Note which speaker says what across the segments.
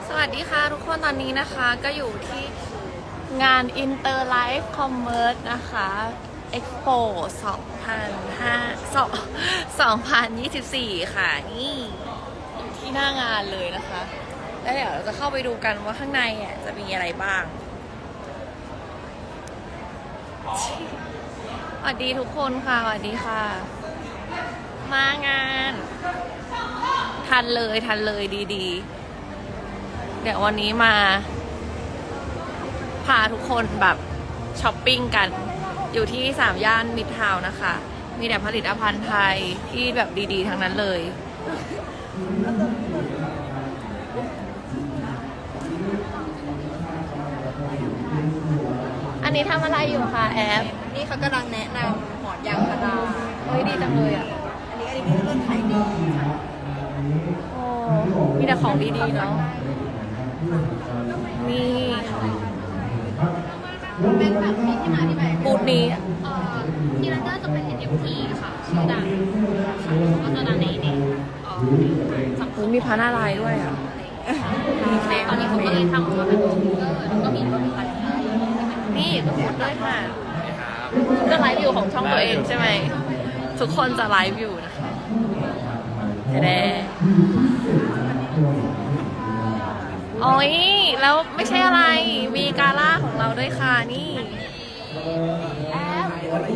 Speaker 1: สวัสดีค่ะทุกคนตอนนี้นะคะก็อยู่ที่งาน Inter Life Commerce นะคะ Expo 2024 ค่ะนี่อยู่ที่หน้างานเลยนะคะแล้วเดี๋ยวเราจะเข้าไปดูกันว่าข้างในจะมีอะไรบ้างสวัสดีทุกคนค่ะสวัสดีค่ะมางานทันเลยดีๆเดี๋ยววันนี้มาพาทุกคนแบบช้อปปิ้งกันอยู่ที่3 ย่านมิตรทาวน์นะคะมีแต่ผลิตภัณฑ์ไทยที่แบบดีๆทั้งนั้นเลยอันนี้ทำอะไรอยู่คะแอฟ
Speaker 2: นี่เขากำลังแนะนำหมอนยางพารา
Speaker 1: เฮ้ยดีจังเลยอ่ะ
Speaker 2: อันนี้เริ่มขายดีค่ะ
Speaker 1: โอ้มีแต่ของดีๆเนาะนี่
Speaker 2: เป็นแบบนี้ที่มาที่ไป
Speaker 1: บูธนี้
Speaker 2: ที่ร้านก็จะเป็น NFT ค่ะชื่อดังก็จะดังในสังคม
Speaker 1: มีพาหน้าลายด้วยอ่ะ
Speaker 2: ตอนนี้เขาก็เลยทำมาเป็นฟิกเกอร์แล้วก็มีรถไฟ
Speaker 1: นี่ก็พูดด้วยค่ะก็ไลฟ์อยู่ของช่องตัวเองใช่ไหมทุกคนจะไลฟ์อยู่นะคะแด่โอ้ยแล้วไม่ใช่อะไรมีกาล่าของเราด้วยค่ะนี่แอฟ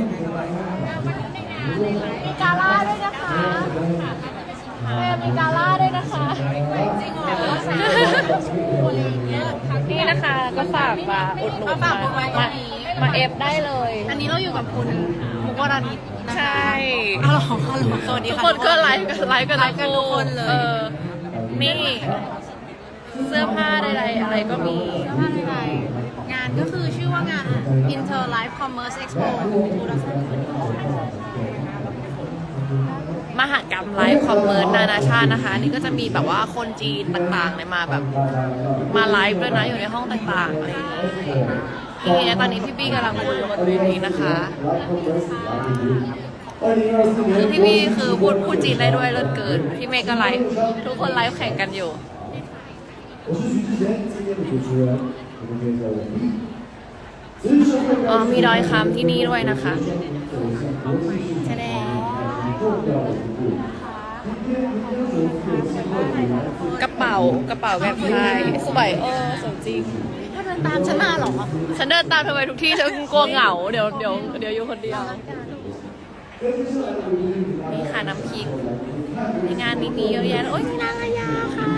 Speaker 1: มีกาล่าด้วยนะคะมีกาล่าด้วยนะคะ
Speaker 2: จริงเหรอ
Speaker 1: นี่นะคะก็ฝากมาอุดหนุนมาเอฟได้เลย
Speaker 2: อันนี้เราอยู่กับคุณมุกวรานิช
Speaker 1: ใช่
Speaker 2: ฮัลโหลสวัสดี
Speaker 1: ทุก
Speaker 2: ค่ะ
Speaker 1: คนก็ไลฟ์กัน
Speaker 2: ทุกคนเลย
Speaker 1: นี่เสื้อผ้าใดๆอะไรก็มี
Speaker 2: งานก็คือชื่อว่างาน Inter Life Commerce Expo
Speaker 1: มหกรรมไลฟ์คอมเมอร์สนานาชาตินะคะนี่ก็จะมีแบบว่าคนจีนต่างๆเนี่ยมาแบบมาไลฟ์ด้วยนะอยู่ในห้องต่างๆอะไรอย่างนี้นี่ตอนนี้พี่บี้กำลังพูดบนเวทีนะคะคือพี่บี้คือพูดจีนได้ด้วยเลิศเกินพี่เมย์ก็ไลฟ์ทุกคนไลฟ์แข่งกันอยู่มีดอยคำที่นี่ด้วยนะคะแสดงกระเป๋าแบบไทยสวยสวยจริง
Speaker 2: ถ้าเดินตามฉันมาหรอ
Speaker 1: ฉันเดินตามเธอไปทุกที่ฉันกลัวเหงาเดี๋ยวอยู่คนเดียวนี่ค่ะน้ำพริกในงานนี้มีเยอะแยะโอ้ยมีนางอายาค่ะ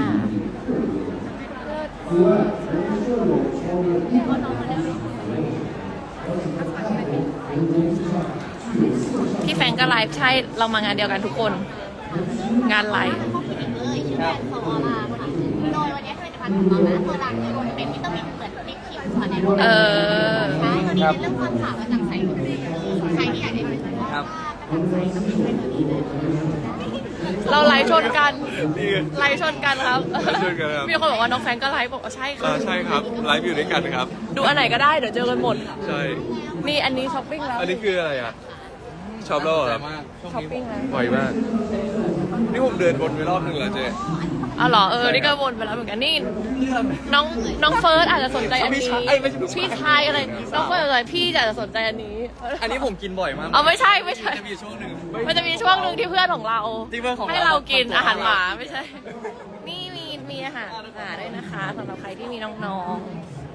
Speaker 1: พี่แฟงก็ไลฟ์ใช่เรามางานเดียวกันทุกคนงานไลฟ์
Speaker 2: ชื่อแบรนด์โซอร่าค่ะโดยวันนี้ผลิตภัณฑ์ของเรานะตัวหลักเลยเป็นวิตามินเหมือนลิปคิวค่ะในโรงพยาบาลใช่ตัวนี้เป็นเรื่องความขาวกระจ่างใสใครที่อยากได้ผลิตภัณฑ์กระจ่างใสต้องเป็นตัวนี้เลย
Speaker 1: เราไลฟ์ชนกันครับมีคนบอกว่าน้องแฟนก็ไลฟ์บอกว่าใช่ค่ะ
Speaker 3: ใช่ครับไลฟ์อยู่ด้วยกันครับ
Speaker 1: ดูอันไหนก็ได้เดี๋ยวเจอกันหมด
Speaker 3: ใช่
Speaker 1: นี่อันนี้ช้อปปิ้งแล้ว
Speaker 3: อันนี้คืออะไรอ่ะชอบแล้วเหรอครับ
Speaker 1: ช้อปปิ้งแล้ว
Speaker 3: บ่อยมากนี่ผมเดินวนไปรอบนึงแล้วเจ๊
Speaker 1: อ๋อเหรอนี่ก็วนไปแล้วเหมือนกันนี่น้องเฟิร์สอาจจะสนใจอันนี้พี่ชายอะไรน้องเฟิร์สอะไรพี่อาจจะสนใจอันนี้
Speaker 3: อันนี้ผมกินบ่อยมาก
Speaker 1: ไม่ใช่
Speaker 3: จะมีช่วงหนึ่ง
Speaker 1: มันจะมีช่วงหนึ่งที่เพื่อนของเราให้เรากินอาหารหมาไม่ใช่นี่มีอาหารด้วยนะคะสำหรับใครที่มีน้องๆ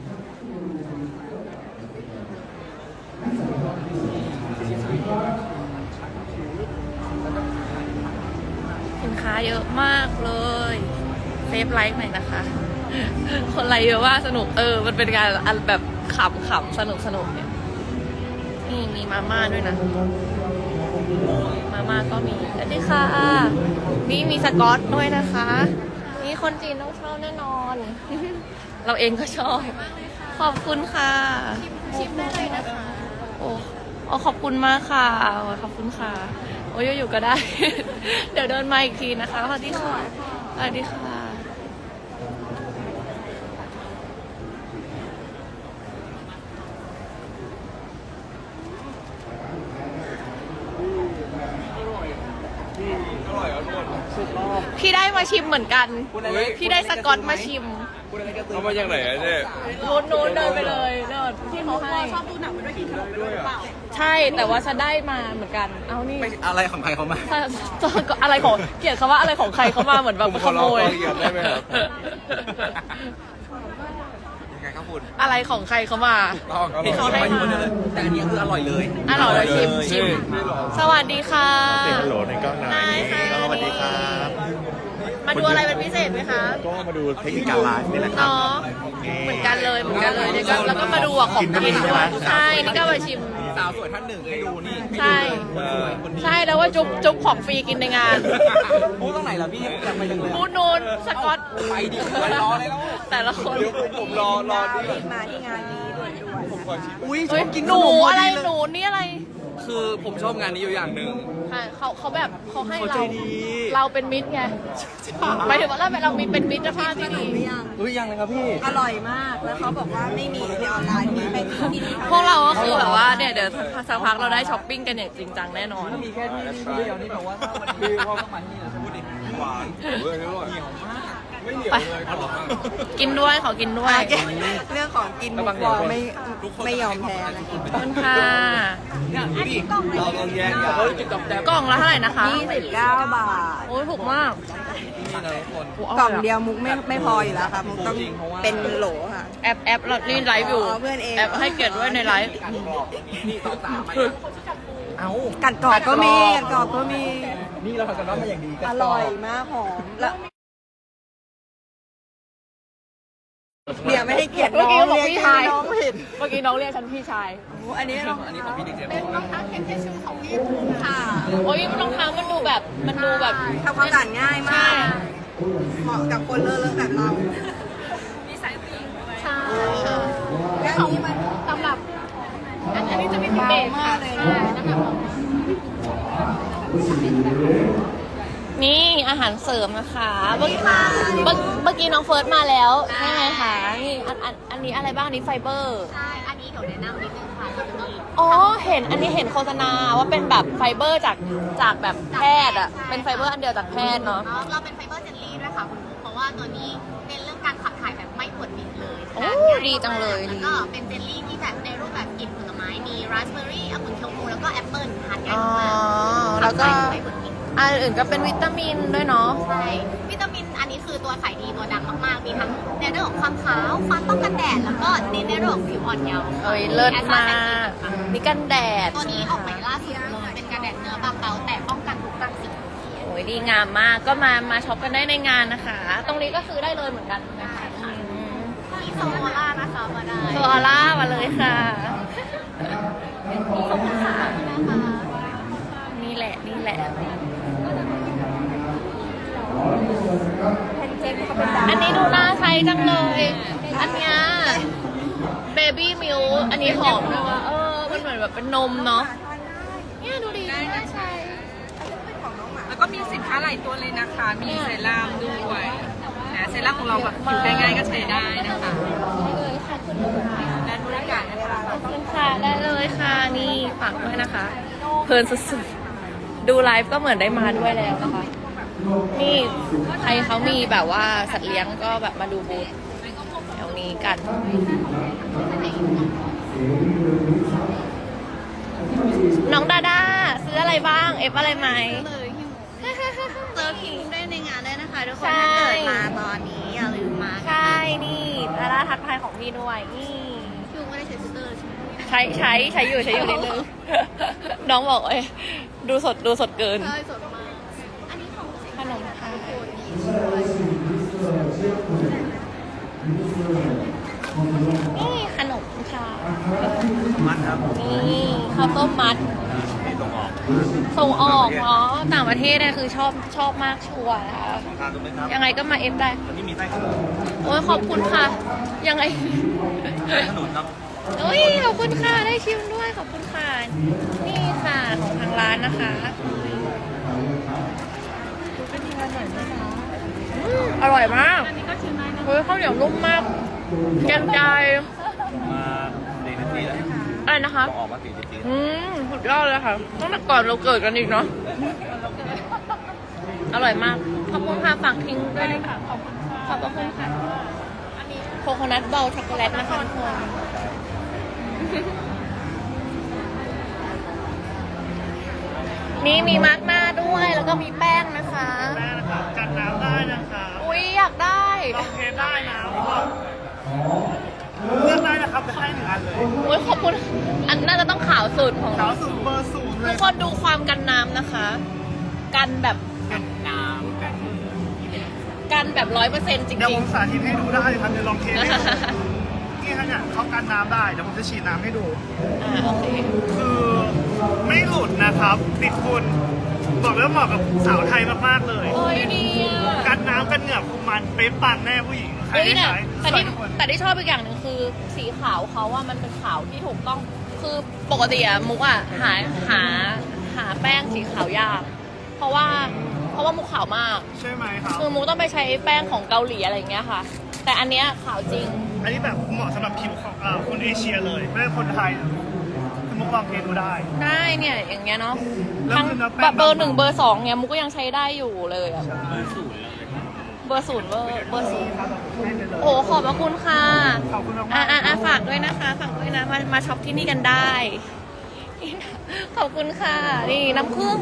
Speaker 1: สินค้าเยอะมากเลยเซฟไลฟ์หน่อยนะคะ คนไลฟ์เยอะว่าสนุกมันเป็นการแบบขำสนุกเนี่ยนี่มีมาม่าด้วยนะมาม่าก็มีสวัสดีค่ะนี่มีสกอตด้วยนะคะนี่คนจีนต้องชอบแน่นอน เราเองก็ชอบขอบคุณค่ะ
Speaker 2: ชิมได้เลยนะคะ
Speaker 1: โอ้ขอบคุณมากค่ะขอบคุณค่ะโอ้ยอยู่ก็ได้ เดี๋ยวเดินมาอีกทีนะคะสวัสดีค่ะสวัสดีค่ะที่ได้มาชิมเหมือนกัน ที่ได้สกอตมาชิม
Speaker 3: เอามาจากไหนอะเจ๊
Speaker 1: นู้นเดินไปเลยเดินที่เขาให้ชอบดูหนังไปด้วยกินขนมด้วยเปล่าใช่แต่ว่าฉันได้มาเหมือนกันเอานี่
Speaker 4: อะไรของใครเขามา
Speaker 1: อะไรของเกลียดคำว่าอะไรของใครเขามาเหมือนแบบ
Speaker 3: ผม
Speaker 1: ข
Speaker 3: ขอ
Speaker 1: โม
Speaker 3: ลอง
Speaker 1: ย
Speaker 3: ละเอียดได้ไหมครับ
Speaker 4: ยังไงครับคุณ
Speaker 1: อะไรของใครเขามา
Speaker 4: ต้องเห็นเขาให้มาเลยแต่อันนี้คืออร่อยเลย
Speaker 1: อร่อยเลยชิม สวัสดีค่ะ
Speaker 5: เสียงฮัลโหลในกล้องหน่อย
Speaker 1: ได้ค่ะ
Speaker 5: สวัสดีครับ
Speaker 1: มาดูอะไรเป็นพิเศษไหมคะ
Speaker 5: ก็มาดูเทคนิคการไลฟ์นี่แหละครับ
Speaker 1: เนาะเหมือนกันเลยเนี่ยก็แล้วก็มาดูอ่ะของ
Speaker 5: กินก็มี
Speaker 1: กิน
Speaker 5: ใช่ไหม
Speaker 1: ใช่นี่ก็มาชิม
Speaker 4: สาวสวยท่านหนึ่งให้ดูนี่
Speaker 1: ใช่ใช่แล้วว่าจุ๊บของฟรีกินในงาน
Speaker 4: พูดตรงไหนล่ะพี่อยากไปจังเลย
Speaker 1: พูดนูนสกอต
Speaker 4: ไปดิไปรอเลยแล้ว
Speaker 1: แต่ละคน
Speaker 3: เดี๋ยวผมรอนี่ก่อน
Speaker 2: มาที่งานนี้ด้วย
Speaker 3: ผมขอชิม
Speaker 4: อุ้ย
Speaker 1: เฮ้ย
Speaker 4: กิน
Speaker 1: หนูอะไรหนูนี่อะไร
Speaker 4: คือผมชอบงานนี้อยู่อย่างหนึ่ง
Speaker 1: ค่ะเขาแบบเขาให้
Speaker 4: เขาใจ
Speaker 1: เรา
Speaker 4: ดี
Speaker 1: เราเป็นมิตรไงหมายถึงว่าเรามีเป็นมิตรภาพที่ดี
Speaker 4: อุ้ยยังเลยครับพี่
Speaker 2: อร่อยมาก แล้วเขาบอกว่าไม่มีในออนไลน์มีไปที่นี่
Speaker 1: พวกเราก็คือแบบว่าเนี่ยเดี๋ยวสักพักเราได้ช้อปปิ้งกันอย่างจริงจังแน่นอน
Speaker 4: ถ้ามีแค่ที่นี่ที่เดียวนี่แปลว่าถ้าวันนี้เขาต้องมาที่นี่เราจะพูดดิหวาน
Speaker 3: เฮ้ยอร่อย
Speaker 4: เหนียวมาก
Speaker 3: ไม่เหนียว
Speaker 1: ไป
Speaker 3: เลยอร่อยมาก
Speaker 1: กินด้วยขอกินด้วย
Speaker 2: เรื่องของกินมุกวอไม่ยอมแพ้นะ
Speaker 1: ขอบคุณค่ะ
Speaker 4: ดูดิเราลองแยกกันเฮ้ยจุดกับแดบ
Speaker 1: กล่องละเท่าไหร่นะคะ
Speaker 2: 29 บาท
Speaker 1: โอ้ยถูกมาก
Speaker 4: นี่นะทุกคน
Speaker 1: โอ้
Speaker 2: กล่อง
Speaker 1: ร่
Speaker 2: เดียวมุกไม่พออยู่แล้วค่ะ มุกต้องเป็นโหลค่ะ
Speaker 1: แอปเรานี่ไลฟ์อยู่
Speaker 2: อ๋อเพื่อนเอง
Speaker 1: แอปให้เกียรติด้วยในไลฟ์
Speaker 4: นี่ต่อสามเอ้า
Speaker 2: กัดกรอบก็มีกัดกรอบก็มี
Speaker 4: นี่เราทำกันบ้านมาอย่างดีกัน
Speaker 2: อร่อยมากหอม แล้วเดี๋ยวไม่ให้เกียรติ
Speaker 1: เมื่อ
Speaker 2: น้
Speaker 1: กี้
Speaker 2: อง
Speaker 1: บอก
Speaker 2: เรียก
Speaker 1: พี่
Speaker 2: ชื่
Speaker 1: ชาย
Speaker 2: อน้องผิด
Speaker 1: เมื่อกี้น้องเรียกฉันพี่ชาย
Speaker 2: อันนี้รอง
Speaker 4: อันนี้ของพี่ดิเจม
Speaker 2: เป็นรองเท้าเทนเทชูของพี่ภูมิค่ะ
Speaker 1: โอ้ยรองเท้ามันดูแบบ
Speaker 2: ทำความสะอาดง่ายมาก เหมาะกับคนเลอะๆแบบเรา
Speaker 1: ใช่
Speaker 2: และอันนี้มัน
Speaker 1: สำหรับอันนี้จะมีพิเศษค่ะนี่อาหารเสริมนะคะเมื่อกี้น้องเฟิร์สมาแล้วใช่ไหมคะนี่อันนี้อะไรบ้างอันนี้ไฟเบอร์
Speaker 2: ใช่ อันนี้เดี๋ยวแนะนำนิดนึงค่ะจะมี
Speaker 1: อ๋ออันนี้เห็นโฆษณาว่าเป็นแบบไฟเบอร์จากแบบแพทย์อ่ะเป็นไฟเบอร์อันเดียวจากแพทย์เนาะ
Speaker 2: เราเป็นไฟเบอร์เจลลี่ด้วยค่ะคุณบุ๊คเพราะว่าตัวนี้เน้นเรื่องการขับถ่ายแบบไม่ปวดบิดเลย
Speaker 1: โอ้ดีจังเลย
Speaker 2: แล้วก็เป็นเจลลี่ที่แบบในรูปแบบกลิ่นผลไม้มีราสเบอร์รี่องุ่นชมพูแล้วก็แอปเปิ้ลทานง่าย
Speaker 1: อ๋อ
Speaker 2: มาก
Speaker 1: แล้วก็
Speaker 2: ขับถ่ายไม่ปวดบิด
Speaker 1: อันอื่นก็เป็นวิตามินด้วยเนาะ
Speaker 2: ใช่วิตามินอันนี้คือตัวขายดีตัวดังมากๆ มีทั้งในเรื่องของความขาวความป้องกันแดดแล้วก็ในเรื่องของผิวอ่อนเยาว์
Speaker 1: เอ้ยเลิศมากนี่กันแดด
Speaker 2: ตัวนี้ออกใหม่ล่าสุดเลยเป็นกันแดดเนื้อบางเบาแต่ป้องกันทุกรังสี
Speaker 1: โอ้ยดีงามมากก็มาช็อปกันได้ในงานนะคะ ตรงนี้ก็ซื้อได้เลยเหมือนกันนะคะ
Speaker 2: ที่โซล่านะคะมาได้
Speaker 1: โซอล่ามาเลยค่ะ
Speaker 2: ขอบคุณค่ะนะคะ
Speaker 1: นี่แหละอันนี้ดูน่าใช้จังเลย อันเนี้ยเบบี้มิลอันนี้หอมด้วยว่ะมันเหมือนแบบเป็นนมเนาะเนี่ยดูดีน่าใช้
Speaker 6: แล้วก็มีสินค้าหลายตัวเลยนะคะ มีเซรั่มด้วยนะเซรั่มของเราแบบผิวง่ายๆก็ใช้ได้นะคะ
Speaker 1: ได้เลยค่ะคุณลูกค้า
Speaker 6: ด้านบริการนะคะ
Speaker 1: ขอบคุณค่ะได้เลยค่ะนี่ฝากด้วยนะคะ เพลินสุดๆดูไลฟ์ก็เหมือนได้มาด้วยแล้วนะคะ นี่ใครเขามีแบบว่าสัตว์เลี้ยงก็แบบมาดูบูธแถวนี้กัน น้องดาด้าซื้ออะไรบ้างเอฟอะไรไหม
Speaker 2: เจอคิงได้ในงานได้นะคะทุกคน
Speaker 1: ใช่
Speaker 2: ถ้าเกิดมาตอนนี้อย่าลืมมา
Speaker 1: ใช่นี่ดาด้าทักทายของพี่ด้วยนี่
Speaker 2: คิวไม่ได้ใช้ฟิลเตอร์ใช่ไหม
Speaker 1: ใช้อยู่นิดนึง น้องบอกดูสดเกิน
Speaker 2: ใช่สดมาก อันนี้ของ
Speaker 1: ขนมไทยนี่ขนมค่ะ
Speaker 4: มัดครับ
Speaker 1: นี่ข้าวต้มมัด
Speaker 4: นี่ตรงออก
Speaker 1: ส่งออกเนาะต่างประเทศเนี่ยคือชอบมากชัวร์นะคะ
Speaker 4: ทานตรงไหมครับ
Speaker 1: ยังไงก็มาเอฟได้
Speaker 4: อันนี้มีไส้ขนุน
Speaker 1: โอ้ยขอบคุณค่ะ ยังไง
Speaker 4: ไส้ขนุนครับ
Speaker 1: โอ้ยขอบคุณค่ะได้ชิมด้วยขอบคุณค่ะ นี่ค่ะของทางร้านนะคะอร่อยมากเฮ้ยข้าวเหนียวนุ่มมากแกงใจ
Speaker 4: มา4 นาทีแล้ว
Speaker 1: อะไรนะคะ
Speaker 4: ออกมา4 นาที
Speaker 1: สุดยอดเลยค่ะตั้งแต่ก่อนเราเกิดกันอีกเนาะอร่อยมากอบคุณค่ะฝากทิ้งด้วยนะคะขอบคุณค่ะอันนี้โคโคนัทเบลช็อกโกแลตนะคะทุกคนนี่มีมาร์กหน้าด้วยแล้วก็มีแป้งนะคะ
Speaker 4: แม่นะครับกันน้ำได้นะครับ
Speaker 1: อุ๊ยอยากได้
Speaker 4: ลองเทสได้นะเลือกได้นะครับจะให้1 อันเลย
Speaker 1: อุ๊ยขอบคุณอันน่าจะต้องขาวสุดของ
Speaker 4: สา
Speaker 1: เรา
Speaker 4: วสูงเบอร์สูงเล
Speaker 1: ทุ
Speaker 4: ย
Speaker 1: กคนดูความกันน้ำนะคะ กันแบบ
Speaker 4: กันน้ำกัน
Speaker 1: กันแบบ100%จ
Speaker 4: เดี๋ยว
Speaker 1: ริ
Speaker 4: ผ
Speaker 1: ง
Speaker 4: มสาธิตให้ดูได้ครับเดี๋ยวลองเทสให้ดูนี่ฮะเนี่ยเขากันน้ำได้เดี๋ยวผมจะฉีดน้ำให้ดู
Speaker 1: ๆโอเค
Speaker 4: คือไม่หลุดนะครับติดฝุ่นบอกเลยว่าเหมาะกับสาวไทยมากๆเลย
Speaker 1: โอ้ยดีอ่ะ
Speaker 4: กันน้ำกันเหงื่อคุมมันเป๊ะปังแน่ผู้หญิงใคร
Speaker 1: เฮ้ย
Speaker 4: ได้
Speaker 1: แต่
Speaker 4: ใช้
Speaker 1: แต่ที่
Speaker 4: ทุกคน
Speaker 1: แต่ที่ชอบอีกอย่างหนึ่งคือสีขาวเขาว่ามันเป็นขาวที่ถูกต้องคือปกติอะมุกอะหาแป้งสีขาวยากเพราะว่ามุกขาวมาก
Speaker 4: ใช่ไหมครับ
Speaker 1: คือมุกต้องไปใช้แป้งของเกาหลีอะไรอย่างเงี้ยค่ะ แต่อันเนี้ยขาวจริง
Speaker 4: อันนี้แบบเหมาะสำหรับผิวของคนเอเชียเลยไม่ใช่คนไทยคือมุกลองเทสดูได้
Speaker 1: ได้เนี่ยอย่างเงี้ยเนาะ
Speaker 4: แล้ว
Speaker 1: ทั้ง
Speaker 4: คือเนื้อแป้ง
Speaker 1: แบบเบอร์1เบอร์2เนี่ยมุกก็ยังใช้ได้อยู่เลยอะเบอร์ศูนย์เบอร์ศูนย์โอ้ขอบพระคุณค่ะ
Speaker 4: ขอบคุณมากๆ
Speaker 1: ฝากด้วยนะคะฝากด้วยนะมาช็อปที่นี่กันได้ขอบคุณค่ะนี่น้ำผึ้ง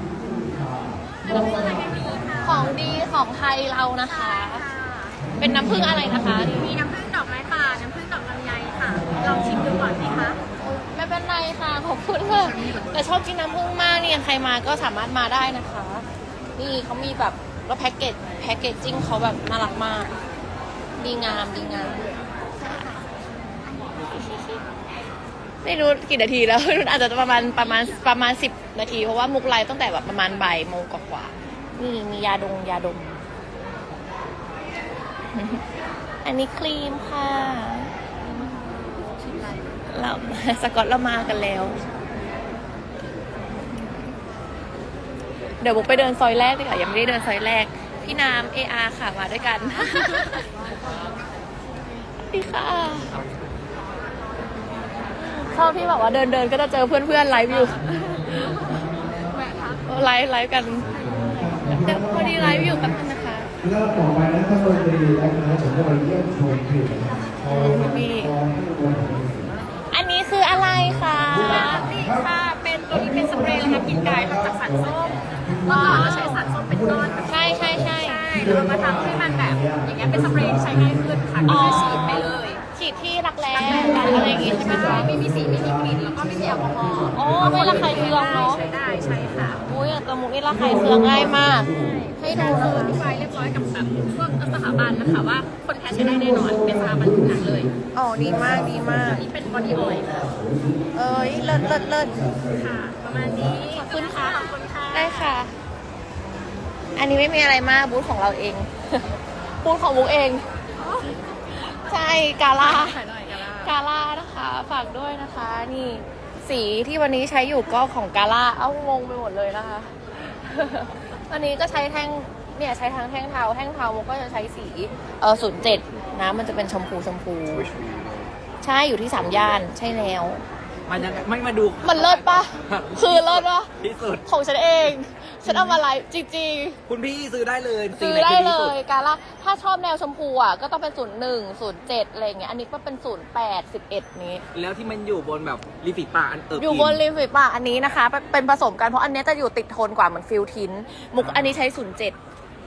Speaker 1: ของดีของไทยเรานะคะ เป็นน้ำผึ้งอะไรนะคะนี่
Speaker 2: มีน้ำผึ้งดอกไม้ป่า น้ำผึ้งดอกลำไยค่ะ ลองชิมดูก่อนสิคะ
Speaker 1: ไม่เป็นไรค่ะขอบคุณค่ะแต่ชอบกินน้ำผึ้งมากเนี่ยใครมาก็สามารถมาได้นะคะ นี่เขามีแบบแล้วแพ็กเกจจิ้งเขาแบบน่ารักมากดีงามไม่รู้กี่นาทีแล้ว อาจจะประมาณ10 นาทีเพราะว่ามุกไลฟ์ตั้งแต่แบบประมาณบ่ายโมงกว่าๆนี่มียาดม อันนี้ครีมค่ะเราสกอตเรามากันแล้ว เดี๋ยวมุกไปเดินซอยแรกดีกว่ายังไม่ได้เดินซอยแรกพี่น้ำ AR ค่ะมาด้วยกัน ดีค่ะชอบที่แบบว่าเดินก็จะเจอเพื่อนไลฟ์อยู่ไลฟ์กันเดี๋ยวพอดีไลฟ์อยู่แป๊บนึงนะคะ
Speaker 7: รอบต่อไปนะครับเราจะดีนะครับผมจะมาเยี่ยมชมคลิป
Speaker 1: อันนี้คืออะไรคะ
Speaker 2: นี่ค่ะ เป็นตัวนี้เป็นสเปรย์นะคะกลิ่นกายทำจากสันส้มเมื่อก่อนเราใช้สันส้มเป็นก้อนแบบ
Speaker 1: ใช่
Speaker 2: ใช่แล้วเรามาทำให้มันแบบอย่างเงี้ยเป็นสเปรย์ที่ใช้ง่ายขึ้นค่ะก็คือฉีดไปเลย
Speaker 1: ฉีดที่รักแร้อะไรอย่างงี้ใช่ไหมคะ
Speaker 2: ไม่มีสีไม่มีกลิ่นแล้วก็ไม่มีแอลกอฮอล์
Speaker 1: อ๋อไม่ระคายเคืองเนาะ
Speaker 2: ใช้ได้ใช่ค่ะ
Speaker 1: อุ้ยแต่มุกนี่ระคายเคืองง่ายมาก ให้ดู
Speaker 2: คือ
Speaker 1: นะ
Speaker 2: อธิบายเรียบร้อยกับแบบพวกสถาบันนะคะว่าคนแพ้ใช้ได้แน่นอนเป็นสถาบันผิวหนังเลย
Speaker 1: อ๋อดีมาก
Speaker 2: อันนี้เป็นบอดี้ออยล์ค่ะ
Speaker 1: เอ้ยเลิศ
Speaker 2: ค่ะ ประมาณนี้
Speaker 1: ขอบคุณค่ะ
Speaker 2: ขอบคุณค่ะ
Speaker 1: ได้ค่ะ อันนี้ไม่มีอะไรมากบูธของเราเอง บูธของมุกเอง ใช่กาล่า
Speaker 2: ถ่ายหน่อยกันละ
Speaker 1: กาล่านะคะ ฝากด้วยนะคะ นี่สีที่วันนี้ใช้อยู่ก็ของกาล่าเอ้างงไปหมดเลยนะคะ วันนี้ก็ใช้แท่งเนี่ยใช้ทั้งแท่งเทามุกก็จะใช้สี07นะมันจะเป็นชมพูใช่อยู่ที่3 ย่านใช่แล้ว
Speaker 4: มันยังไม่มาดู
Speaker 1: มันเลิศปะ คือเลิศปะ
Speaker 4: ที่สุด
Speaker 1: ของฉันเอง ฉันเอามาไลฟ์จริง
Speaker 4: คุณพี่ซื้อได้เลย
Speaker 1: ๆ ซื้อได้เลยกาล่าถ้าชอบแนวชมพูอ่ะก็ต้องเป็น01 07อะไรอย่างเงี้ยอันนี้ก็เป็น08 11นี้
Speaker 4: แล้วที่มันอยู่บนแบบริมฝีปากอัน
Speaker 1: อยู่บนริมฝีปากอันนี้นะคะ เป็นผสมกันเพราะอันเนี้ยจะอยู่ติดโทนกว่าเหมือนฟิลทินมุกอันนี้ใช้07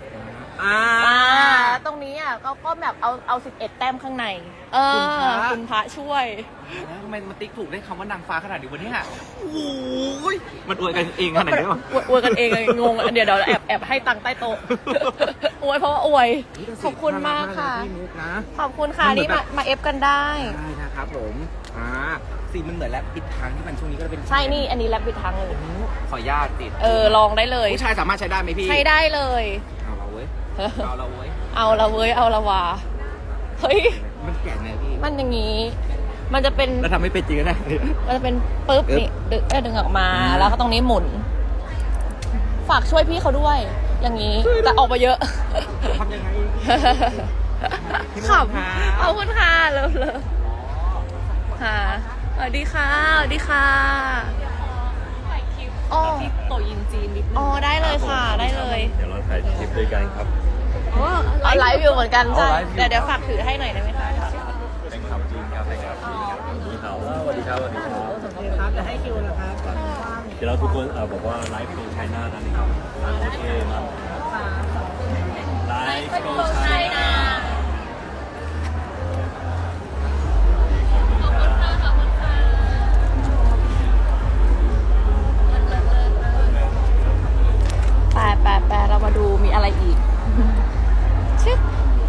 Speaker 1: ตรงนี้อ่ะก็แบบเอา11 แต้มข้างในคุณพระช่วย
Speaker 4: ทำไมมันติ๊กถูกได้คำว่านางฟ้าขนาดนี้วันนี้ฮะโอ้ยมันอวยกันเองขนาดนี้วะ
Speaker 1: อวยกันเองเลยงงเดี๋ยวแอบให้ตังค์ใต้โต๊ะ อวยเพราะว่าอวย ขอบคุณมากค่ะ
Speaker 4: พี่มุกนะ
Speaker 1: ขอบคุณค่ะนี่มาเอฟกันได้
Speaker 4: ได้นะครับผมสีมันเหมือนแรปปิดทางที่มันช่วงนี้ก็จะเป็น
Speaker 1: ใช่นี่อันนี้แลบปิดทางเลย
Speaker 4: ขออนุญาตติด
Speaker 1: ลองได้เลย
Speaker 4: ผู้ชายสามารถใช้ได้ไหมพี่
Speaker 1: ใช้ได้เลย
Speaker 4: เอาเราเว้ยเอาเราเว้ย
Speaker 1: เอาละเว้ยเอาละวาเฮ้ย
Speaker 4: มันแก่ไงพี่
Speaker 1: มันอย่างนี้ มันจะเป็น
Speaker 4: แล้วทำให้เป็นจริงนะ
Speaker 1: มันจะเป็นปึ๊บนี่ดึงออกมาแล้วก็ตรงนี้หมุน ฝากช่วยพี่เขาด้วย อย่างนี้แต่ออกมาเยอะ
Speaker 4: ทำยังไง
Speaker 1: ขอบคุณค่ะเลิฟค่ะสวัสดีค่ะอ๋อ
Speaker 6: ที่โตยินจีนนิดนึ
Speaker 1: อ๋
Speaker 6: ง
Speaker 1: อได้เลยค่ะได้เลย
Speaker 5: เดี๋ยวเราถ่ายคลิปด้วยกันครับ
Speaker 1: เอาไลฟ์อยู่เหมือนกันใช่เดี๋ยวฝากถือให้หน่อยได้ไหมคะ
Speaker 5: เป็นคำจริงครับนะครับนี่เขาสวัสดีครับสวัสดีครับ
Speaker 6: ครับจะให้คิวนะครับ
Speaker 5: เดี๋ยวเราทุกคนบอกว่าไลฟ์เป็นไชน่านั่นเองครับโอเคมาไลฟ์เป็นไชน่า
Speaker 1: แปลเรามาดูมีอะไรอีกชึบ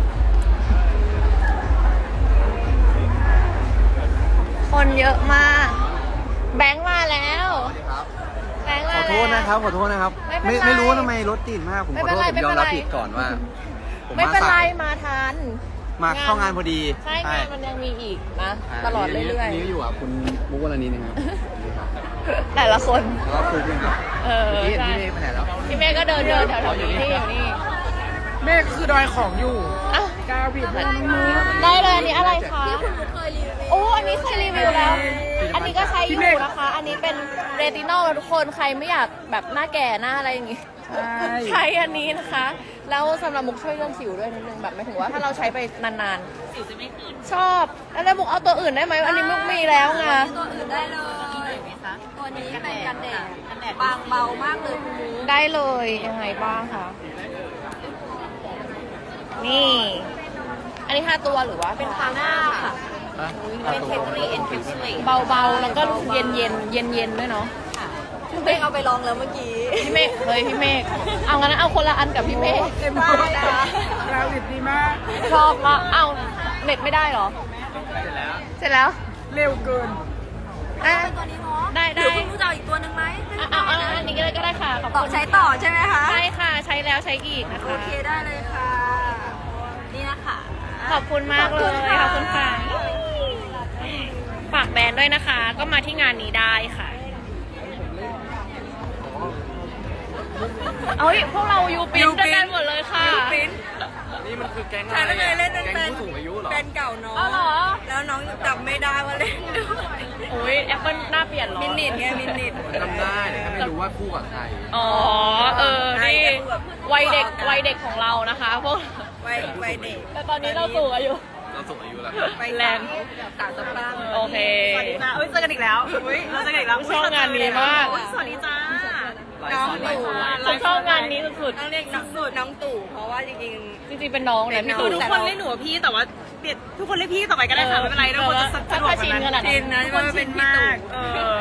Speaker 1: คนเยอะมาก แบงค์มาแล้วแบงค์มา
Speaker 3: ขอ
Speaker 1: แล้ว
Speaker 3: โทษนะครับ ขอโทษนะครับ
Speaker 1: ไม่เป็นไร
Speaker 3: ไม่รู้ว่าทำไมรถติดมาก ผมขอโทษ ผมยอมรับผิดก่อนว่า ผม
Speaker 1: ไม่
Speaker 3: มา
Speaker 1: เป็นไร
Speaker 3: สาย
Speaker 1: มาทัน
Speaker 3: มาเข้างานพอดี
Speaker 1: ใช่งานมันยังมีอีกนะ ตลอดเรื่อยๆ
Speaker 3: นี่อยู่อ่ะคุณมุกวรณีนะครับ
Speaker 1: แต่ละคน
Speaker 3: แล้วก็คุยกันครับ
Speaker 1: เออ
Speaker 3: พี่
Speaker 1: ใช่
Speaker 3: พี่เมย์ไปไหนแล้ว
Speaker 1: พี่เมฆก็เดินแถวๆนี้นี่อยู่นี่
Speaker 6: เมฆคือดอยของอยู่
Speaker 1: อ่ะ
Speaker 6: กาวิด
Speaker 1: ได้เลยอันนี้อะไรคะโอ้อันนี้เคยรีวิวแล้ว อันนี้ก็ใช้อยู่นะคะ อันนี้เป็นเรตินอลทุกคนใครไม่อยากแบบหน้าแก่หน้าอะไรอย่างงี้ ใช้อันนี้นะคะ แล้วสำหรับมุกช่วยเรื่องสิวด้วยนิดนึงแบบหมายถึงว่าถ้าเราใช้ไปนานๆสิวจะไม่ขึ้นชอบแล้วมุกเอาตัวอื่นได้ไหมอันนี้มุกมีแล้วไง
Speaker 2: ตัวอื่นได้เลยตัวนี้เป็นกันแดดบางเบามากเลยคุณมู
Speaker 1: ได้เลยยังไงบ้างคะนี่ อันนี้5ตัวหรือว่าเป็นทาหน้าค่ะ
Speaker 2: เป็นเทคโนโลยีเอ็นแคปซูล
Speaker 1: เบาๆแล้วก็รู้สึกเย็นด้วยเนาะ
Speaker 2: พี่เมฆเอาไปลองแล้วเมื่อกี้
Speaker 1: พี่เมฆพี่เมฆเอางั้นเอาคนละอันกับพี่เมฆ
Speaker 6: เต็มที่นะกาวิดดีมาก
Speaker 1: ชอบมากเอาเน็ตไม่ได้เหรอ เสร็จแล้ว
Speaker 6: เร็วเกิน
Speaker 1: ได้
Speaker 2: ตัวนี้เนาะ
Speaker 1: ได้
Speaker 2: หรือคุณมูจะเอาอีกตัวหนึ่งไหม
Speaker 1: เอาอันนี้ก็ได้ค่ะขอบ
Speaker 2: ต่อ
Speaker 1: คุณ
Speaker 2: ใช้ต่อใช่ไหมคะ
Speaker 1: ใช่ค่ะใช้แล้วใช้อีกนะ
Speaker 2: โอ
Speaker 1: คะ
Speaker 2: เคได้เลยค่ะ นี่นะคะ
Speaker 1: ขอบคุณมากเลยขอบคุณค่ะฝากแบรนด์ด้วยนะคะ ก็มาที่งานนี้ได้ค่ะเอ้ยพวกเรายูปินด้วยกันหมดเลยค่ะ
Speaker 3: นี่มันคือแก๊ง
Speaker 2: ใช่แล้วไงเล่นเป็น
Speaker 3: แก๊งผู้สูงอายุเหรอ
Speaker 2: เป็นเก่าน้อง
Speaker 1: อ๋อเหรอ
Speaker 2: แล้วน้องจำไม่ได้ว่าเล่นด้วย
Speaker 1: โอ้ยแอปเปิลหน้าเปลี่ยนเหรอ
Speaker 2: มินิทไงมินิท
Speaker 3: จำได้แต่แค่ไม่รู้ว่าคู่กับใคร
Speaker 1: อ๋อนี่วัยเด็กของเรานะคะพวก
Speaker 2: ไปเด็ก
Speaker 1: แต่ตอนนี้เราสูงอายุ
Speaker 3: เราสูงอายุแล้ว
Speaker 2: ไป
Speaker 1: แรง
Speaker 2: สาวสะพรั่ง
Speaker 1: โอเค
Speaker 6: สวัสดีจ้าเจอกันอีกแล้วเราเจอกันอีกแล้ว
Speaker 1: ชอบงานนี้มาก
Speaker 6: สวัสดีจ้า
Speaker 2: น้องตู่
Speaker 1: ฉันชอบงานนี้สุด
Speaker 2: ต้องเรียกน้องตู่เพราะว่าจริง
Speaker 1: ๆจริงๆเป็นน้องนะพี่
Speaker 6: คื
Speaker 1: ตู่
Speaker 6: อทุกคนเรียกหนูว่าพี่แต่ว่าเปลี่ยนทุกคนเรียกพี่ต่อไปก็ได้ค่ะไม่เป็นไรทุกคนจะสะดวก
Speaker 1: ชินขนาด
Speaker 2: ๆ
Speaker 1: นั้
Speaker 2: ชิ
Speaker 1: น
Speaker 2: นนะ
Speaker 6: ทุกคน
Speaker 2: ว่า
Speaker 6: เป็
Speaker 2: เป็น น
Speaker 6: มา
Speaker 2: พี่ตู่
Speaker 6: ก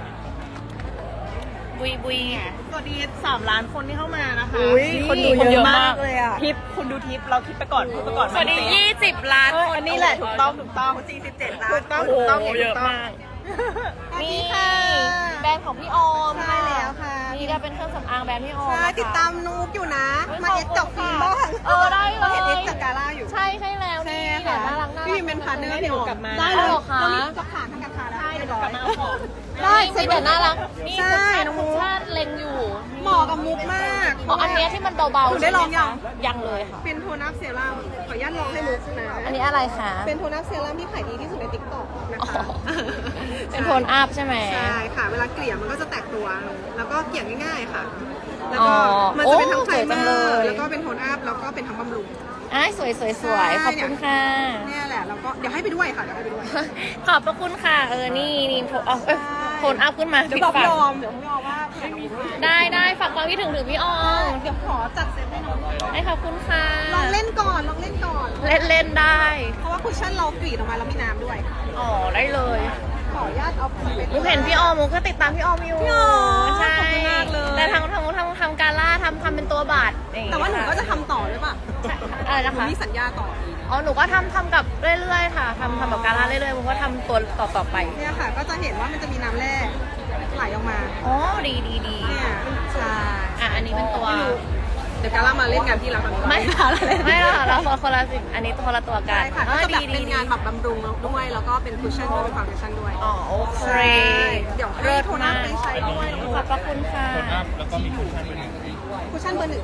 Speaker 1: บุย
Speaker 6: สวัสดี3 ล้านคนที่เข้ามานะคะ
Speaker 1: คนดูเยอะมากเลยอ่ะ
Speaker 6: ทิปคุณดูทิปเราทิปไปก่อนพูดไปก่อน
Speaker 1: สวัสดี20 ล้านคน
Speaker 6: อันนี้แหละถูกต้อง
Speaker 2: 47ล้าน
Speaker 6: ถูกต้อง
Speaker 1: โอ้
Speaker 6: ถูก
Speaker 1: โห
Speaker 6: ต้อง
Speaker 1: เยอะมาก นี่แบรนด์ของพี่ออม
Speaker 2: ใช่แล้วค่ะ
Speaker 1: นี่ก็เป็นเครื่องสำอางแบรนด์พี่ออม
Speaker 2: ใช่
Speaker 1: นะคะ
Speaker 2: ติดตามนุกอยู่นะ มาเอ็กซ์จับฟิล์มบ้าง
Speaker 1: ได้เลย
Speaker 2: เห็นเอ็กซ์จากกาล่าอยู่
Speaker 1: ใช่แล้วนี่เหรียญน่ารักน่ารัก
Speaker 2: พี่เป็นพาร์ทเนอร์พี่ออม
Speaker 1: ได้เลยเหรอคะ
Speaker 2: กับขาทางการค้าได้เรียบร้อย
Speaker 1: ได้มีแต่น่ารักนี่
Speaker 2: ใช่
Speaker 1: คุณ
Speaker 2: น้องมุ
Speaker 1: คุ
Speaker 2: ก
Speaker 1: ณชาติเล็งอยู่
Speaker 2: เหมาะกับมุกมาก
Speaker 1: อ๋ออันเนี้ยที่มันเบาๆ
Speaker 2: หนูได้ลองยัง
Speaker 1: ยังเลยค่ะ
Speaker 2: เป็นโทนอัพเซรั่มขออนุญาตลองให้มุกนะ
Speaker 1: อันนี้อะไรคะ
Speaker 2: เป็นโทนอัพเซรั่มที่ขายดีที่สุดในติ๊กต็อกนะคะ
Speaker 1: เป็นโทนอัพใช่ไหม
Speaker 2: ใช่ค่ะ เวลาเกลี่ยมันก็จะแตกตัว แล้วก็เกลี่ยง่ายๆค่ะ แล้ว
Speaker 1: อ๋
Speaker 2: ก็
Speaker 1: อ
Speaker 2: มันจะเป็นทั้ง
Speaker 1: โอ้
Speaker 2: ไพร
Speaker 1: สวย
Speaker 2: เม
Speaker 1: จัง
Speaker 2: อ
Speaker 1: เลย
Speaker 2: ร์แล้วก็เป็นโทนอัพแล้วก็เป็นทั้งบำรุง
Speaker 1: อ้ายสวยขอบคุณค่ะ
Speaker 2: เนี่ยแหละแล้วก็เดี๋ยวให้ไปด้วยค่ะเดี๋ยวให้ไปด้วย
Speaker 1: ขอบพระคุณค่ะ นี่โทนโทนอัพขึ้นมา
Speaker 2: เดี๋ยว
Speaker 1: ปิ
Speaker 2: บอก
Speaker 1: ฝา
Speaker 2: พี่ออมเดี๋ยวพี่ออมว่าเผื่อน้องมุก
Speaker 1: ได้ฝากความคิดถึงพี่ออม
Speaker 2: เดี๋ยวขอจัดเซตให้น้อง
Speaker 1: ได้ขอบคุณค่ะ
Speaker 2: ลองเล่นก่อน
Speaker 1: เล่นได้
Speaker 2: เพราะว่าคุชชั่นเรากรีดออกมาแล้วมีน้ำด้วย
Speaker 1: อ๋อได้เลย
Speaker 2: ขออนุญาตเอาไป
Speaker 1: มุกเห็นพี่ออมมุกก็ติดตามพี่ออมอยู่
Speaker 2: พี่ออม
Speaker 1: ใช่
Speaker 2: ขอบคุณมากเลย
Speaker 1: แต่ทำการล่าทำเป็นตัวบาทอย่งงี้
Speaker 2: แต่ว่าหนูก็จะทำต่อด้วยป่ะ
Speaker 1: ใช่อะไร
Speaker 2: ห
Speaker 1: นะ
Speaker 2: นู
Speaker 1: คะ
Speaker 2: มีสัญญาต่อ
Speaker 1: อ๋อหนูก็ทำกับเรื่อยๆค่ะทำกับการล่าเรื่อยๆมุกก็ทำตัวต่อไป
Speaker 2: เนี่ยค่ะ ก็จะเห็นว่ามันจะมีน้ำแร่ไหลออกมา
Speaker 1: อ๋อดี
Speaker 2: เนี่ยใช่
Speaker 1: อันนี้เป็นตัว
Speaker 2: เดี๋ยวกาล่ามาเล่นงานที่เราตอนนี้
Speaker 1: ไม่
Speaker 2: ไม่ละ
Speaker 1: เราคนละสิ่งอันนี้คนละตัวกั
Speaker 2: ใช่
Speaker 1: น
Speaker 2: ค่ะก็จะแบบ
Speaker 1: ดี
Speaker 2: เป็นงานแบบบำรุงด้วย แล้วก็เป็นคุชชั่นด้วยเป็นฟาวเดชั่นด้วย
Speaker 1: อ๋อโอเค
Speaker 2: ใช่เดี๋ยวให้โทนอัพไปใช้ด้วย
Speaker 1: ขอบพระคุณค่ะ
Speaker 5: แล้วก็มีคุชชั่นเป็น
Speaker 2: คุชชั่นเบอร์ 1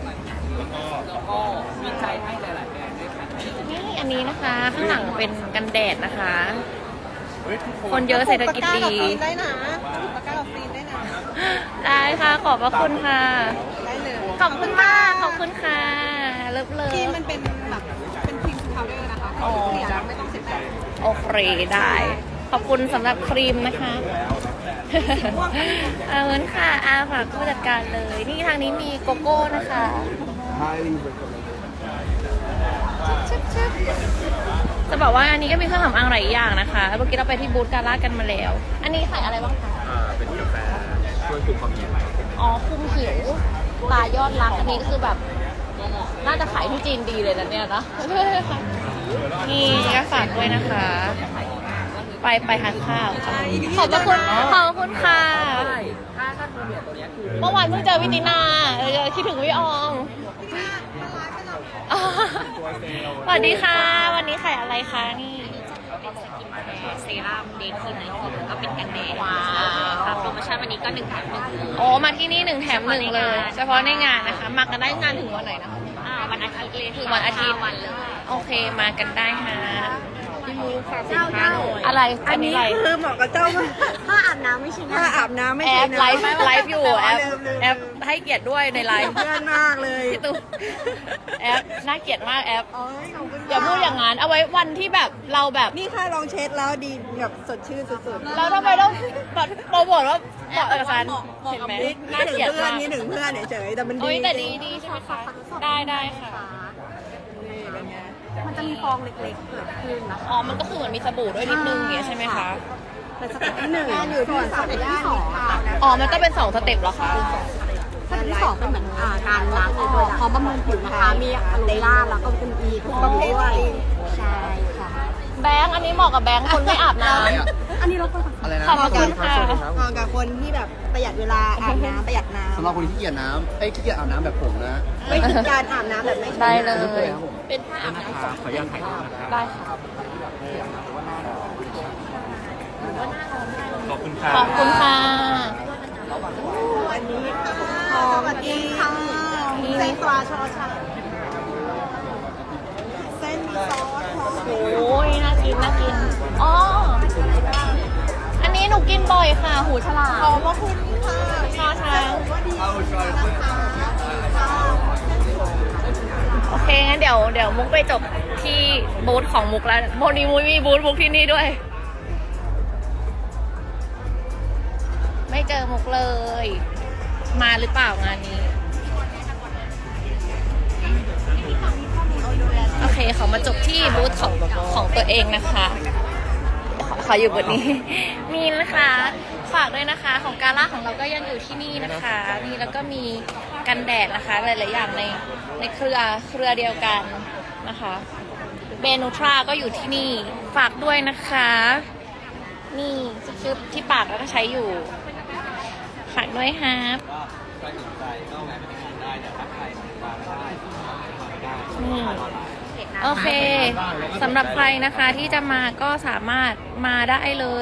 Speaker 1: นี่อันนี้นะคะ ข้างหลังเป็นกันแดดนะคะ คนเยอะเศรษฐกิจดี
Speaker 2: ได้นะตะกร้ากับฟีนได้นะ
Speaker 1: ได้ค่ะขอบพระคุณค่ะ
Speaker 6: ได้เลย
Speaker 1: ขอบคุณค่ะขอบคุณค่ะเลิฟเลย
Speaker 6: ที่มันเป็นแบบเป็นครีมพาวเดอร์นะคะ
Speaker 1: อ๋อ
Speaker 6: ไม่ต้องเสร็จแป้ง
Speaker 1: โอเคได้ ขอบคุณสำหรับครีมนะคะเอาเงินค่ะอาฝากผู้จัดการเลย นี่ทางนี้มีโกโก้นะคะ จะบอกว่าอันนี้ก็มีเครื่องสำอางหลายอย่างนะคะเมื่อกี้เราไปที่บูธการ่ากันมาแล้ว อันนี้ใส่อะไรบ้างคะ
Speaker 5: เป็นกาแฟช่วยคุมความเย็น
Speaker 1: อ๋อคุมผิวตายอดรักอันนี้คือแบบ น่าจะขายที่จีนดีเลยนะเนี่ยนะนี่ก็ฝากด้วยนะคะ ไปทานข้าวค่ะขอบพระคุณขอบคุณค่ะเมื่อวานเพิ่งเจอพี่ตินาคิดถึงพี่ออมสวัสดีค่ะ วันนี้ขายอะไรคะนี่เป็นสกินแคร์เซรั่มเดย์ครีมไนท์ครีมก็เป็นกันแดดว้าวค่ะโปรโมชั่นวันนี้ก็1 แถม 1โอ้มาที่นี่1 แถม 1เลยเฉพาะในงานนะคะมากันได้งานถึงวันไหนนะคะวันอาทิตย์เลยถึงวันอาทิตย์วันเลยโอเคมากันได้ค่ะพี่มูฝากสินค้าหน่อยอะไรอันนี้อะไร
Speaker 6: คือเหมาะกับเจ้า
Speaker 2: ถ้าอาบน้ำไม่ใช่
Speaker 6: ถ้าอาบน้ำไม่
Speaker 1: แอ
Speaker 6: ใช่
Speaker 1: ป
Speaker 6: นะ
Speaker 1: ไลฟ์อยู่แอปให้เกียรติด้วยในไลฟ์
Speaker 6: เพื่อนมากเลย
Speaker 1: พี่ตูแอปน่าเกลียดมากแอป
Speaker 6: โอ้ยขอบคุณ
Speaker 1: อย่าพูดอย่างนั้นเอาไว้วันที่แบบเราแบบ
Speaker 6: นี่ค่ะลองเช็ดแล้วดีแบบสดชื่นสุดๆ
Speaker 1: แล้วทำไมต้องโปรโมทว่าเหมาะกับฉันเห็นไหมน่า
Speaker 6: นี่
Speaker 1: เกลียด
Speaker 6: เพื่อ
Speaker 1: มาน ก
Speaker 6: นี่ถึงเพื่อนเฉยๆแต่มันดี
Speaker 1: โอ้ยแต่ดีใช่ไหมคะได้ค่ะ
Speaker 6: นี่เป็นไง
Speaker 2: มันจะมีฟองเล็กๆเกิดขึ้นนะคะ
Speaker 1: อ๋อมันก็คือเหมือนมีสบู่ด้วยนิดนึงอย่างเงี้ยใช่ไหมคะ
Speaker 2: เป็นสเต็ปที่ 1
Speaker 6: งานอยู่ที่สามย่าน
Speaker 1: อ๋อมันต้องเป็น2 สเต็ปเหรอคะ
Speaker 2: สเต็ปที่ 2เป็นเหมือนการล้างออกพร้อมบำรุงผิวนะคะ มีอะโลเวล่าแล้วก็เป็นอีทุกบำรุงด้วยใช่ค่ะ
Speaker 1: แบงค์อันนี้เหมาะกับแบงค์คนไม่อาบน้ำ
Speaker 2: อันนี้เราควร
Speaker 3: อะไรนะ
Speaker 1: ขอบพระคุณค่ะ
Speaker 6: เหมาะกับคนที่แบบประหยัดเวลาอาบน้ำประหยัดน้ำ
Speaker 3: สำหรับคนที่ขี้เกียจน้ำขี้เกียจอาบน้ำแบบผมนะ
Speaker 6: ไม่คิดการอาบน้ำแบบไม่ใช่
Speaker 1: ได้เลย
Speaker 3: ครับผม
Speaker 1: เป็นผ้าอาบน้ำ
Speaker 5: ขออนุญาตถ่ายรูปนะครับ
Speaker 1: ได้ค่ะ
Speaker 5: ขอบคุณค่ะ
Speaker 1: ขอบคุณค่ะ
Speaker 6: อันนี้หอมจริงค่ะเส้นปลาชอชาเส้นมีซอสหอม
Speaker 1: โอ้ยน่ากินน่ากินอ๋ออันนี้หนูกินบ่อยค่ะ หูฉลาม
Speaker 6: ขอบพระคุณค่ะ
Speaker 1: ชอช้างโอเคงั้นเดี๋ยวมุกไปจบที่บูธของมุกแล้วโมนีมุยมีบูธมุกที่นี่ด้วย ไม่เจอมุกเลย มาหรือเปล่างานนี้ โอเคเขามาจบที่บูธของตัวเองนะคะ ขออยู่บทนี้ มีนะคะฝากด้วยนะคะของกาล่าของเราก็ยังอยู่ที่นี่นะคะนี่แล้วก็มีกันแดดนะคะหลายๆอย่างในเครือเดียวกันนะคะเบนูทราก็อยู่ที่นี่ฝากด้วยนะคะ นี่ชุดที่ปากแล้วก็ใช้อยู่ฝากด้วยครับนี่โอเคสำหรับใครนะคะที่จะมาก็สามารถมาได้เลย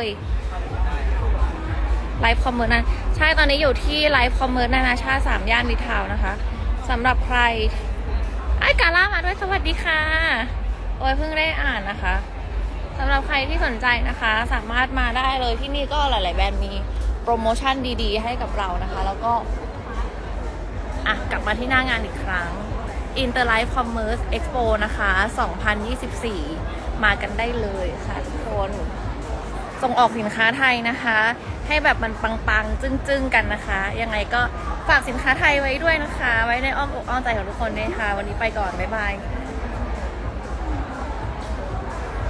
Speaker 1: ไลฟ์คอมเมอร์นะใช่ตอนนี้อยู่ที่ไลฟ์คอมเมอร์นานาชาติ3 ย่านมิตรทาวน์นะคะสำหรับใครไอ้กาล่ามาด้วยสวัสดีค่ะโอ้ยเพิ่งได้อ่านนะคะสำหรับใครที่สนใจนะคะสามารถมาได้เลยที่นี่ก็หลายๆแบรนด์มีโปรโมชั่นดีๆให้กับเรานะคะแล้วก็กลับมาที่หน้างานอีกครั้ง Interlife Commerce Expo นะคะ 2024 มากันได้เลยค่ะทุกคนส่งออกสินค้าไทยนะคะ ให้แบบมันปังๆจึ้งๆกันนะคะ ยังไงก็ฝากสินค้าไทยไว้ด้วยนะคะ ไว้ในอ้อมอกอ้อมใจของทุกคนด้วยค่ะ วันนี้ไปก่อน บ๊ายบาย